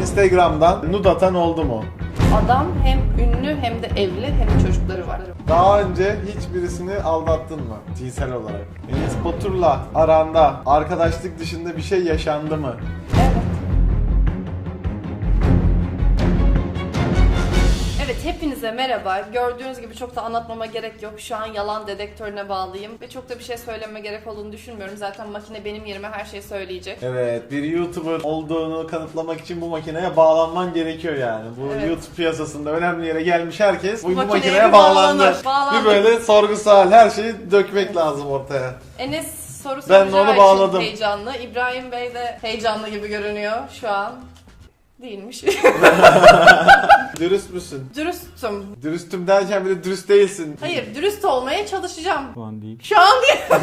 Instagram'dan nude atan oldu mu? Adam hem ünlü hem de evli hem de çocukları var. Daha önce hiç birisini aldattın mı cinsel olarak? Enes Batur'la aranda arkadaşlık dışında bir şey yaşandı mı? Evet. Evet, hepinize merhaba. Gördüğünüz gibi çok da anlatmama gerek yok. Şu an yalan dedektörüne bağlıyım ve çok da bir şey söylememe gerek olduğunu düşünmüyorum. Zaten makine benim yerime her şeyi söyleyecek. Evet, bir YouTuber olduğunu kanıtlamak için bu makineye bağlanman gerekiyor yani. Bu Evet. YouTube piyasasında önemli yere gelmiş herkes bu Makineye makineye bağlandı. bağlandı. Bir böyle sorgusal her şeyi dökmek lazım ortaya. Enes soru Ben soracağı onu için bağladım. heyecanlı. İbrahim Bey de heyecanlı gibi görünüyor şu an. Değilmiş. Dürüst müsün? Dürüstüm. Dürüstüm derken bir de dürüst değilsin. Hayır, dürüst olmaya çalışacağım. Şu an değil. Şu an değil.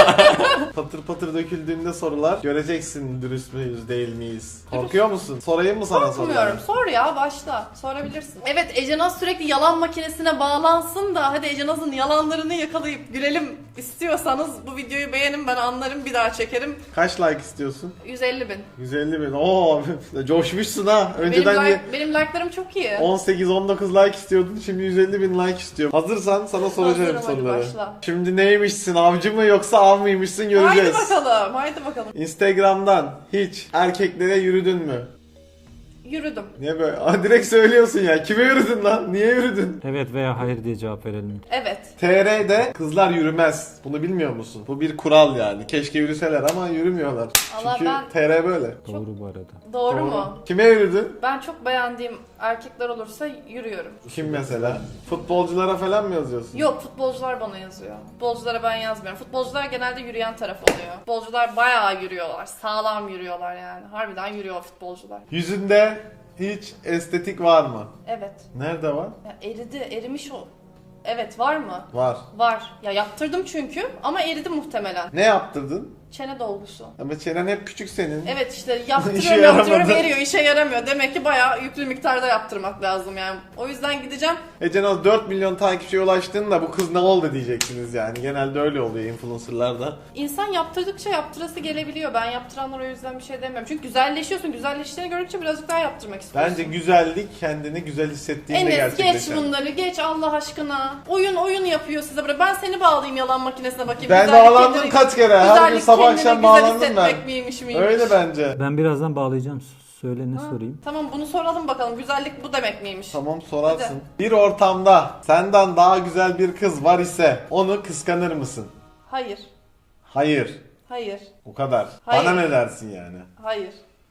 Patır patır döküldüğünde sorular göreceksin dürüst müyüz değil miyiz? Korkuyor musun? Sorayım mı sana soruları? Korkmuyorum. Sor ya, başla. Sorabilirsin. Evet, Ece Naz sürekli yalan makinesine bağlansın da hadi Ece Naz'ın yalanlarını yakalayıp gülelim istiyorsanız bu videoyu beğenin, ben anlarım, bir daha çekerim. Kaç like istiyorsun? 150 bin. 150 bin. Oo, coşmuşsun ha. Önceden Benim like'larım çok iyi. 18-19 like istiyordun, şimdi 150 bin like istiyorum. Hazırsan sana soracağım Hazırım, hadi soruları. başla. Şimdi neymişsin, avcı mı yoksa av mıymışsın göreceğiz. Haydi bakalım, haydi bakalım. Instagram'dan hiç erkeklere yürüdün mü? Yürüdüm. Niye böyle? Aa, direkt söylüyorsun ya. Kime yürüdün lan? Niye yürüdün? Evet veya hayır diye cevap verelim. Evet. TR'de kızlar yürümez. Bunu bilmiyor musun? Bu bir kural yani. Keşke yürüseler ama yürümüyorlar. Allah, Çünkü ben- TR böyle. Doğru bu arada. Doğru mu? Kime yürüdün? Ben çok beğendiğim erkekler olursa yürüyorum. Kim mesela? Futbolculara falan mı yazıyorsun? Yok, futbolcular bana yazıyor. Futbolculara ben yazmıyorum. Futbolcular genelde yürüyen taraf oluyor. Futbolcular bayağı yürüyorlar. Sağlam yürüyorlar yani. Harbiden yürüyor futbolcular. Yüzünde hiç estetik var mı? Evet. Nerede var? Ya erimiş o. Evet, var mı? Var. Var. Ya yaptırdım çünkü ama eridi muhtemelen. Ne yaptırdın? Çene dolgusu. Ama çenen hep küçük senin. Evet işte İşe yaptırıyorum yaramadı. eriyor, işe yaramıyor. Demek ki bayağı yüklü miktarda yaptırmak lazım yani. O yüzden gideceğim. Ece 4 milyon takipçiye ulaştığında bu kız ne oldu diyeceksiniz yani. Genelde öyle oluyor influencerlarda. İnsan yaptırdıkça yaptırası gelebiliyor. Ben yaptıranlara o yüzden bir şey demiyorum. Çünkü güzelleşiyorsun. Güzelleştiğini görünce birazcık daha yaptırmak istiyorsun. Bence güzellik kendini güzel hissettiğinde Enes geç gerçekleşen. bunları, geç Allah aşkına. Oyun yapıyor size böyle. Ben seni bağlayayım yalan makinesine bakayım. Ben Güzellik bağlandım kendini- kaç kere. Her gün güzellik sabah kendini akşam güzel bağlandım ben. hissetmek miymiş? Öyle bence. Ben birazdan bağlayacağım. Söyle ne sorayım? Tamam, bunu soralım bakalım. Güzellik bu demek miymiş? Tamam sorarsın. Hadi. Bir ortamda senden daha güzel bir kız var ise onu kıskanır mısın? Hayır. Hayır. Hayır. O kadar. Hayır. Bana ne dersin yani? Hayır.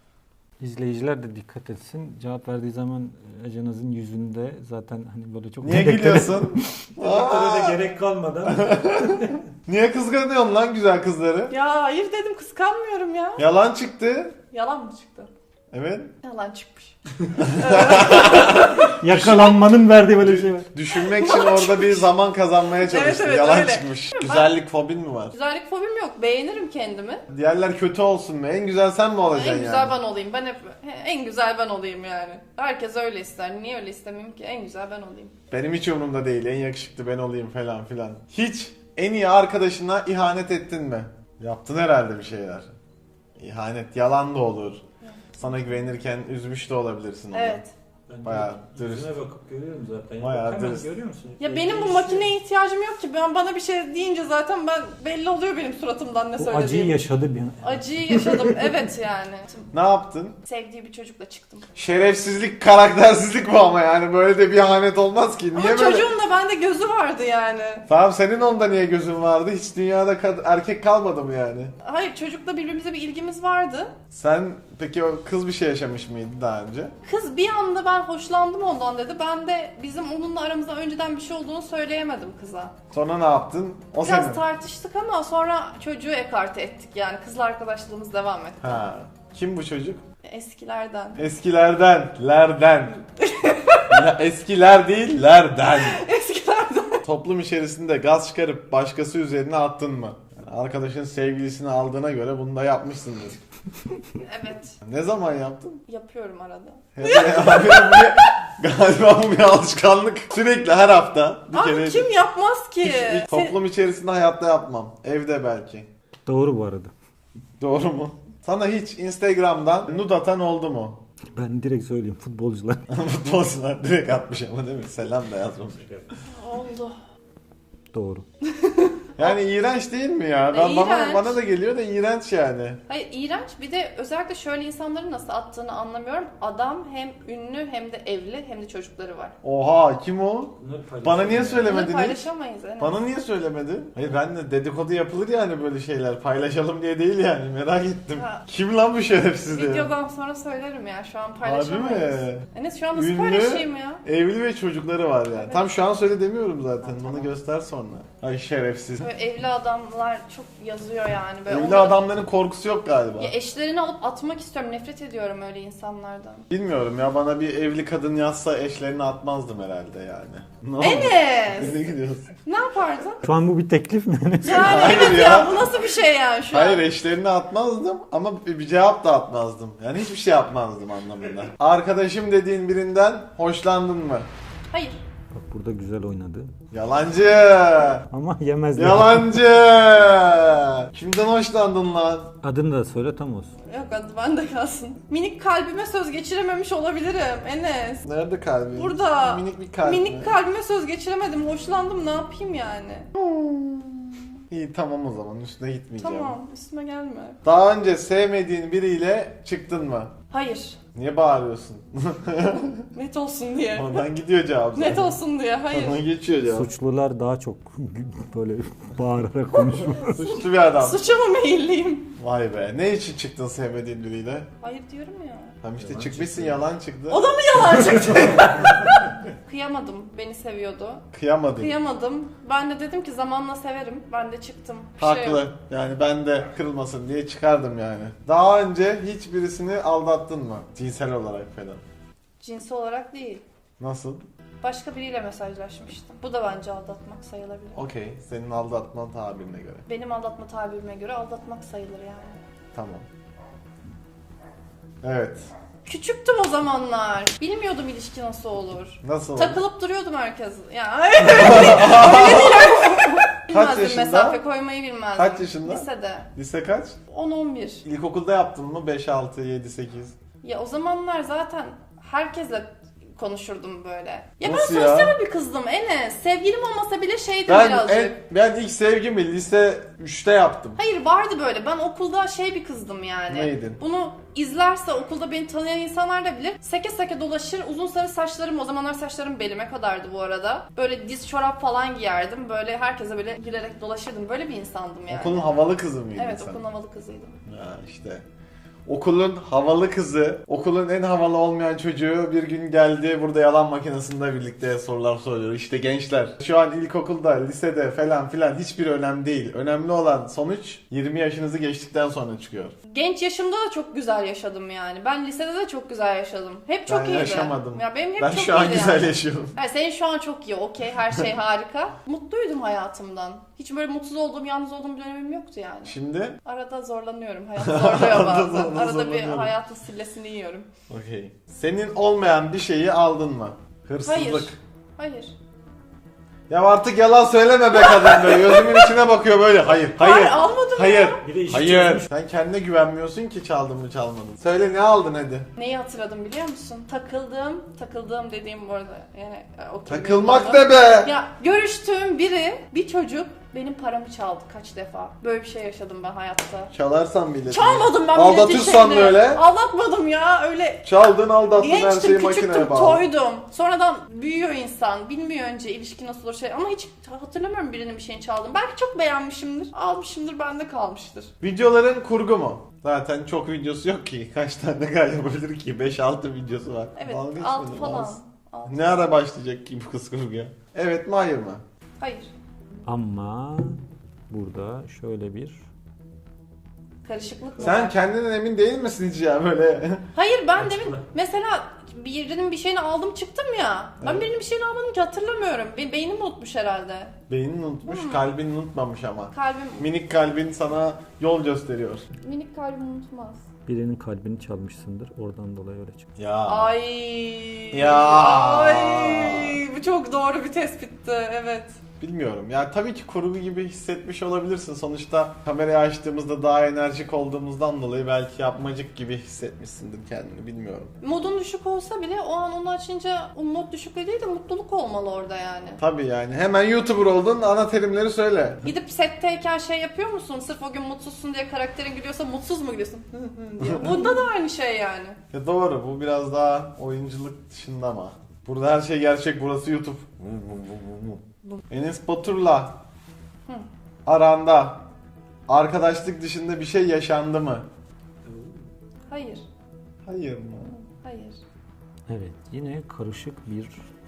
İzleyiciler de dikkat etsin. Cevap verdiği zaman Ece Naz'ın yüzünde zaten hani böyle çok... Niye gülüyorsun? Dedektöre de gerek kalmadan. Niye kıskanıyorsun lan güzel kızları? Ya hayır dedim, kıskanmıyorum ya. Yalan çıktı. Yalan mı çıktı? Evet. Yalan çıkmış. Yakalanmanın verdiği böyle bir şey var. Düşünmek için orada bir zaman kazanmaya çalıştım. Evet, Yalan öyle. çıkmış. Güzellik fobin mi var? Güzellik fobim yok. Beğenirim kendimi. Diğerler kötü olsun mu? En güzel sen mi olacaksın En yani? güzel ben olayım. Ben hep en güzel ben olayım yani. Herkes öyle ister. Niye öyle istemeyeyim ki? En güzel ben olayım. Benim hiç umurumda değil. En yakışıklı ben olayım falan filan. Hiç en iyi arkadaşına ihanet ettin mi? Yaptın herhalde bir şeyler. İhanet yalan da olur. Sana güvenirken üzmüş de olabilirsin onu. Evet. Bayağı dürüst. Yüzüne bakıp görüyorum zaten. Bayağı Hemen dürüst. görüyor musun? Ya benim bu makineye ihtiyacım yok ki. Bana bir şey deyince zaten belli oluyor benim suratımdan ne Bu söylediğim. acıyı yaşadı bir an. Acıyı yaşadım. Evet yani. Ne yaptın? Sevdiği bir çocukla çıktım. Şerefsizlik, karaktersizlik bu ama yani böyle de bir ihanet olmaz ki. Niye Ama böyle? çocuğun da bende gözü vardı yani. Tamam senin onda niye gözün vardı? Hiç dünyada erkek kalmadı mı yani? Hayır, çocukla birbirimize bir ilgimiz vardı. Sen peki o kız bir şey yaşamış mıydı daha önce? Kız bir anda ben hoşlandım ondan dedi. Ben de bizim onunla aramızda önceden bir şey olduğunu söyleyemedim kıza. Sonra ne yaptın? O Biraz senin. tartıştık ama sonra çocuğu ekarte ettik yani. Kızla arkadaşlığımız devam etti. Ha. Kim bu çocuk? Eskilerden. Eskilerden, lerden. Eskiler değil, lerden. Eskilerden. Toplum içerisinde gaz çıkarıp başkası üzerine attın mı? Yani arkadaşın sevgilisini aldığına göre bunu da yapmışsındır. Evet. Ne zaman yaptın? Yapıyorum arada. Galiba bu bir alışkanlık. Sürekli her hafta bir Abi kere. kim yapmaz ki? Toplum içerisinde hayatta yapmam. Evde belki. Doğru bu arada. Doğru mu? Sana hiç Instagram'dan nude atan oldu mu? Ben direkt söyleyeyim futbolcular. Futbolcular direkt atmış ama değil mi? Selam da yazmamış. Oldu. Doğru. Yani iğrenç değil mi ya? Ben, İğrenç. bana da geliyor da iğrenç yani. Hayır iğrenç. Bir de özellikle şöyle insanların nasıl attığını anlamıyorum. Adam hem ünlü hem de evli hem de çocukları var. Oha kim o? Bana niye Bunları söylemedin hiç? paylaşamayız. Enes. Bana niye söylemedin? Hayır ben de dedikodu yapılır yani böyle şeyler. Paylaşalım diye değil yani merak ettim. Ha. Kim lan bu şerefsiz ya? Videodan sonra söylerim ya. Şu an Harbi paylaşamayız. mi? Enes şu an nasıl Ünlü, paylaşayım ya? evli ve çocukları var yani. Evet. Tam şu an söyle demiyorum zaten. Ha, Bunu tamam. göster sonra. Ay şerefsiz. Böyle evli adamlar çok yazıyor yani. Böyle Evli onları- adamların korkusu yok galiba. Ya eşlerini alıp atmak istiyorum. Nefret ediyorum öyle insanlardan. Bilmiyorum ya bana bir evli kadın yazsa eşlerini atmazdım herhalde yani. Ne oldu? Enes! Nereye gidiyorsun? Ne yapardın? Şu an bu bir teklif mi? Yani Hayır evet ya. ya bu nasıl bir şey yani şu Hayır an? eşlerini atmazdım ama bir cevap da atmazdım. Yani hiçbir şey yapmazdım anlamında. Arkadaşım dediğin birinden hoşlandın mı? Hayır. Bak burada güzel oynadı. Yalancı! Ama yemezler. Yalancı! Kimden hoşlandın lan? Adını da söyle tam olsun. Yok hadi bende kalsın. Minik kalbime söz geçirememiş olabilirim Enes. Nerede kalbin? Burada. Minik bir kalp. Minik mi? kalbime söz geçiremedim. Hoşlandım ne yapayım yani? İyi tamam o zaman üstüne gitmeyeceğim. Tamam üstüme gelme. Daha önce sevmediğin biriyle çıktın mı? Hayır. Niye bağırıyorsun? Net olsun diye. Oradan gidiyor cevap zaten. Net olsun diye. Hayır. Oradan geçiyor cevap. Suçlular daha çok böyle bağırarak konuşuyor. Suçlu bir adam. Suça mı meyilliyim? Vay be. Ne için çıktın sevmediğin biriyle? Hayır diyorum ya. Tam işte çıkmışsın yalan çıktı. O da mı yalan çıktı? Kıyamadım. Beni seviyordu. Kıyamadın. Kıyamadım. Ben de dedim ki zamanla severim. Ben de çıktım. Bir şey Haklı. yok. Yani ben de kırılmasın diye çıkardım yani. Daha önce hiç birisini aldattın mı? Cinsel olarak falan. Cinsi olarak değil. Nasıl? Başka biriyle mesajlaşmıştım. Bu da bence aldatmak sayılabilir. Okey. Senin aldatma tabirine göre. Benim aldatma tabirime göre aldatmak sayılır yani. Tamam. Evet. Küçüktüm o zamanlar. Bilmiyordum ilişki nasıl olur. Nasıl? Takılıp duruyordum herkes. Ya Kaç bilmezdim yaşında? mesafe koymayı bilmezdim. Kaç yaşında? Lisede. Lise kaç? 10-11. İlkokulda yaptın mı? 5, 6, 7, 8. Ya o zamanlar zaten herkesle konuşurdum böyle. Ya Nasıl ben ya? sosyal bir kızdım Enes. Sevgilim olmasa bile şeydim Ben birazcık. ben ilk sevgimi lise 3'te yaptım. Hayır vardı böyle. Ben okulda şey bir kızdım yani. Neydin? Bunu izlerse okulda beni tanıyan insanlar da bilir. Seke seke dolaşır. Uzun sarı saçlarım, o zamanlar saçlarım belime kadardı bu arada. Böyle diz çorap falan giyerdim. Böyle herkese böyle gülerek dolaşırdım. Böyle bir insandım yani. Okulun havalı kızı mıydın Evet sen? okulun havalı kızıydım. Ya işte. Okulun havalı kızı, okulun en havalı olmayan çocuğu bir gün geldi burada yalan makinesinde birlikte sorular soruyor. İşte gençler şu an ilkokulda, lisede falan filan hiçbir önemli değil. Önemli olan sonuç 20 yaşınızı geçtikten sonra çıkıyor. Genç yaşımda da çok güzel yaşadım yani. Ben lisede de çok güzel yaşadım. Hep çok Ben iyiydi. yaşamadım. Ya benim hep Ben çok şu an iyiydi güzel yani. yaşıyorum. Yani senin şu an çok iyi, okey, her şey harika. Mutluydum hayatımdan. Hiç böyle mutsuz olduğum, yalnız olduğum bir dönemim yoktu yani. Şimdi Arada zorlanıyorum, hayat zorluyor bazen. Arada Arada bir zorlanıyorum. hayatın sillesini yiyorum. okey. Senin olmayan bir şeyi aldın mı? Hırsızlık. Hayır. Hayır. Ya artık yalan söyleme be kadın be. Gözümün içine bakıyor böyle. Hayır, hayır. Almadım Hayır. ya. Bir de işi Hayır. çözmüş. Sen kendine güvenmiyorsun ki çaldın mı çalmadın. Söyle ne aldın hadi. Neyi hatırladım biliyor musun? Takıldığım dediğim bu arada. Yani o kelimeyi Takılmak kullandım. ne be? Ya görüştüğüm biri, bir çocuk benim paramı çaldı kaç defa. Böyle bir şey yaşadım ben hayatta. Çalarsan bile. Çalmadım ben Aldatırsan milletin şeyini. böyle. Aldatmadım ya öyle. Çaldın aldattın her şeyi Gençtim, makineye küçüktüm, bağlı. toydum. Sonradan büyüyor insan. Bilmiyor önce ilişki nasıl olur şey. Ama hiç hatırlamıyorum birinin bir şeyini çaldım. Belki çok beğenmişimdir. Almışımdır, bende kalmıştır. Videoların kurgu mu? Zaten çok videosu yok ki. Kaç tane yapabilir ki? 5-6 videosu var. Evet, Dalga geçmedim, 6 falan. az. Altı. Ne ara başlayacak ki bu kız kurguya? Evet mi hayır mı? Hayır. Ama burada şöyle bir Karışıklık mı Sen var? kendinden emin değil misin hiç ya böyle? Hayır ben demin mesela birinin bir şeyini aldım çıktım ya. Ben Evet. birinin bir şeyini almadım ki hatırlamıyorum. Beynim unutmuş herhalde. Beynin unutmuş, kalbin unutmamış ama. Kalbim, Minik kalbin sana yol gösteriyor. minik kalbim unutmaz. birinin kalbini çalmışsındır. Oradan dolayı öyle çıktı. Ya. Ay. Ya. Ay. Bu çok doğru bir tespitti. Evet. Bilmiyorum. Yani tabii ki kurgu gibi hissetmiş olabilirsin. Sonuçta kamerayı açtığımızda daha enerjik olduğumuzdan dolayı belki yapmacık gibi hissetmişsindir kendini, bilmiyorum. Modun düşük olsa bile o an onu açınca o mod düşüklüğü değil de mutluluk olmalı orada yani. Tabii yani. Hemen YouTuber oldun, ana terimleri söyle. Gidip setteyken şey yapıyor musun? Sırf o gün mutsuzsun diye karakterin gülüyorsa mutsuz mu gülüyorsun? diye. Bunda da aynı şey yani. Ya doğru, bu biraz daha oyunculuk dışında ama. Burada her şey gerçek, burası YouTube. Enes Batur'la aranda arkadaşlık dışında bir şey yaşandı mı? Hayır. Hayır mı? Hayır. Evet, yine karışık bir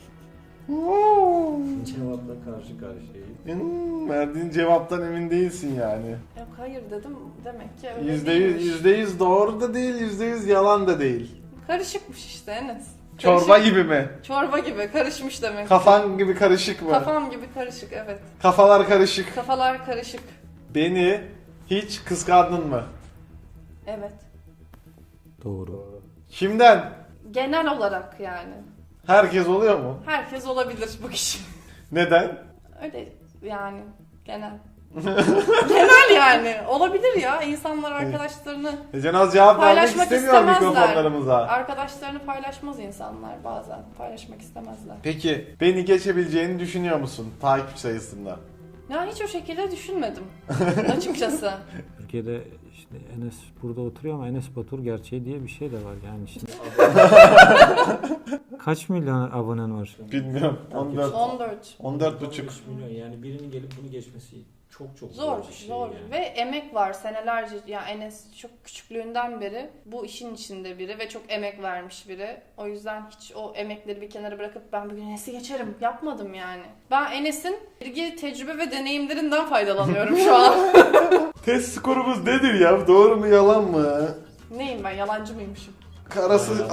cevapla karşı karşıyayız. Verdiğin cevaptan emin değilsin yani. Yok hayır dedim demek ki öyle değilmiş. %100 doğru da değil, %100 yalan da değil. Karışıkmış işte Enes. Çorba Karışık. gibi mi? Çorba gibi karışmış demek. Kafan gibi karışık mı? Kafam gibi karışık evet. Kafalar karışık. Kafalar karışık. Beni hiç kıskandın mı? Evet. Doğru. Kimden? Genel olarak yani. Herkes oluyor mu? Herkes olabilir bu kişi. Neden? Öyle yani genel. Genel yani. Olabilir ya. İnsanlar arkadaşlarını Cenaz cevap vermek paylaşmak istemiyor istemezler. mikrofonlarımıza. Arkadaşlarını paylaşmaz insanlar bazen. Paylaşmak istemezler. Peki beni geçebileceğini düşünüyor musun takip sayısında? Ya hiç o şekilde düşünmedim açıkçası. Türkiye'de işte Enes burada oturuyor ama Enes Batur gerçeği diye bir şey de var yani şimdi. Kaç milyon abonen var? Bilmiyorum. 14. 14. 14,5. milyon yani birinin gelip bunu geçmesi çok Zor, bir şey zor. yani. Ve emek var senelerce. Yani Enes çok küçüklüğünden beri bu işin içinde biri ve çok emek vermiş biri. O yüzden hiç o emekleri bir kenara bırakıp ben bugün Enes'i geçerim yapmadım yani. Ben Enes'in bilgi, tecrübe ve deneyimlerinden faydalanıyorum şu an. Test skorumuz nedir ya? Doğru mu yalan mı? Neyim ben? Yalancı mıymışım? Arası.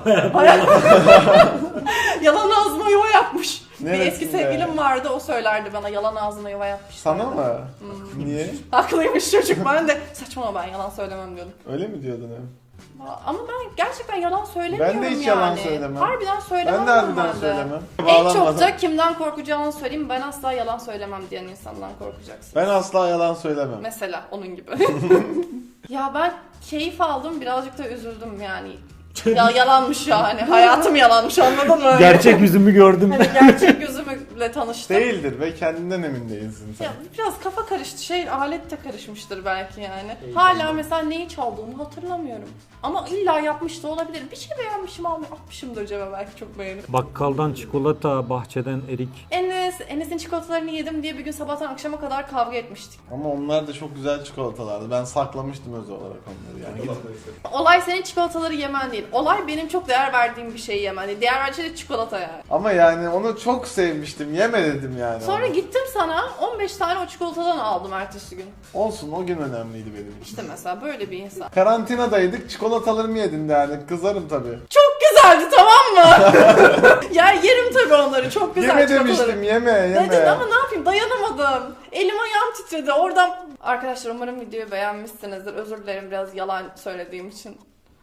Yalan ağzıma yuva yapmış. Bir Neresinde? eski sevgilim vardı o söylerdi bana yalan ağzına yuva yapmış. Sana derdi. mı? Niye? Haklıymış çocuk, ben de saçmalama ben yalan söylemem diyordum. Öyle mi diyordun hep? Ama ben gerçekten yalan söylemiyorum Ben de hiç yani. yalan söylemem. Harbiden söylemem Ben de harbiden normalde. söylemem. En çok Bağlanmadan. da kimden korkacağını söyleyeyim, ben asla yalan söylemem diyen insandan korkacaksın. Ben asla yalan söylemem. Mesela onun gibi. Ya ben keyif aldım, birazcık da üzüldüm yani. Ya yalanmış yani, hayatım yalanmış, anladın mı? Gerçek yüzümü gördüm. Hani gerçek yüzümle tanıştım. Değildir ve kendinden emin değilsin sen. Ya biraz kafa karıştı, alet de karışmıştır belki yani. Hala mesela neyi çaldığımı hatırlamıyorum. Ama illa yapmış da olabilir. Bir şey beğenmişim, atmışımdır cebe belki çok beğenip. Bakkaldan çikolata, bahçeden erik. Enes'in çikolatalarını yedim diye bir gün sabahtan akşama kadar kavga etmiştik. Ama onlar da çok güzel çikolatalardı. Ben saklamıştım özel olarak onları yani. Olay senin çikolataları yemen değil. Olay benim çok değer verdiğim bir şeyi yemen değil. Değer verdiğim şey de çikolata yani. Ama yani onu çok sevmiştim. Yeme dedim yani. Sonra ona. gittim sana 15 tane o çikolatadan aldım ertesi gün. Olsun, o gün önemliydi benim için. İşte mesela böyle bir insan. Karantinadaydık, çikolatalarımı yedin derdik. Kızarım tabii. Çok güzeldi, tamam mı? Ya yerim tabii onları, çok güzel Yeme çikolataları. demiştim, yeme. Dedin ama ne yapayım, dayanamadım. Elim ayağım titredi oradan. Arkadaşlar umarım videoyu beğenmişsinizdir. Özür dilerim biraz yalan söylediğim için.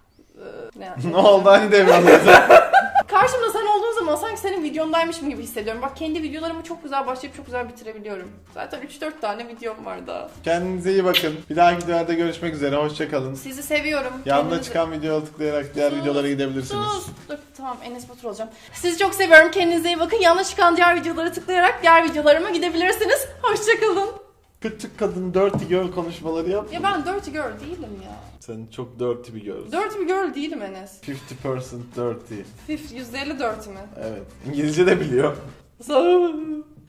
Ne oldu hani demiyorum. Karşımda sen olduğun zaman sanki senin videondaymışım gibi hissediyorum. Bak kendi videolarımı çok güzel başlayıp çok güzel bitirebiliyorum. Zaten 3-4 tane videom var daha. Kendinize iyi bakın. Bir dahaki videolarda görüşmek üzere. Hoşçakalın. Sizi seviyorum. Yanında çıkan videoya tıklayarak diğer videolara gidebilirsiniz. Dur tamam, Enes Batur olacağım. Sizi çok seviyorum. Kendinize iyi bakın. Yanına çıkan diğer videolara tıklayarak diğer videolarıma gidebilirsiniz. Hoşçakalın. Küçük kadın dirty girl konuşmaları yap. Ya ben dirty girl değilim ya. Sen çok dirty bir girl. Dirty bir girl değilim Enes. 50% dirty. %50 dirty mi? Evet. İngilizce de biliyor. Sağ